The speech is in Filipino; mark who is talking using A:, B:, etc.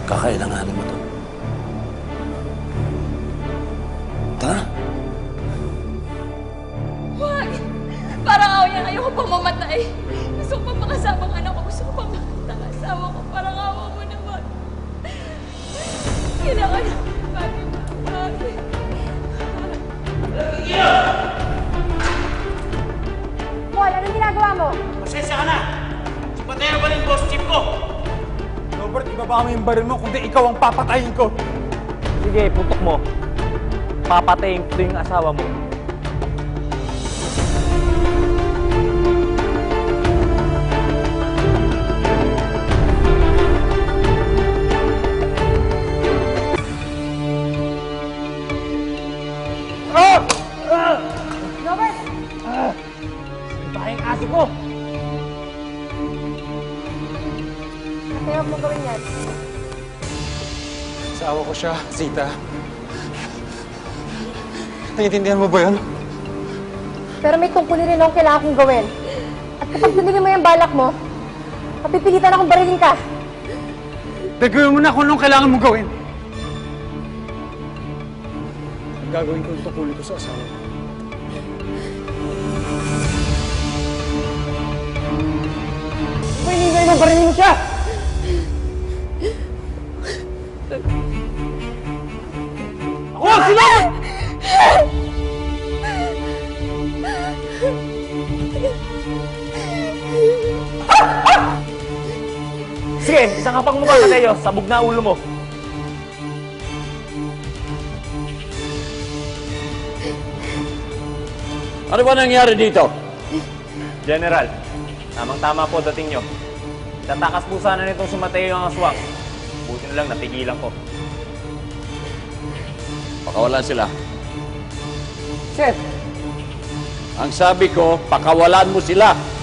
A: Kakailanganin mo to. Tara.
B: Huwag! Parang ako yan. Ayoko pang mamatay. Gusto ko pang makasama ang anak ko. Gusto ko pang makita ang asawa ko. Parang awa mo naman. Kailangan na. Bakit?
C: Paul, anong ginagawa mo?
D: Pasensya ka na! Patay na ba rin boss chief ko?
E: Robert, ibaba mo yung baril mo, kundi ikaw ang papatayin ko.
F: Sige, putok mo. Papatayin ko yung asawa mo.
C: Robert!
F: Tayong aso ko!
C: Ate, huwag mong gawin yan.
E: Asawa ko siya, Zita. Naiintindihan mo ba yun?
C: Pero may tungkulin rin akong kailangan kong gawin. At kapag binili mo yung balak mo, mapipilitan akong barilin ka.
E: Gagawin mo na kung anong kailangan mong gawin. Gagawin ko yung tungkulin ko sa asawa ko.
F: Pahinigay mo, barilin mo siya! Ako ang sinama! Sige, isang kapang mukha na kayo. Sabog na ulo mo.
A: Ano ba nangyari dito?
F: General, tamang-tama po dating nyo. Tatakas po sana nitong si Mateo ang aswang. Buti na lang napigilan ko.
A: Pakawalan sila.
F: Sir!
A: Ang sabi ko, pakawalan mo sila.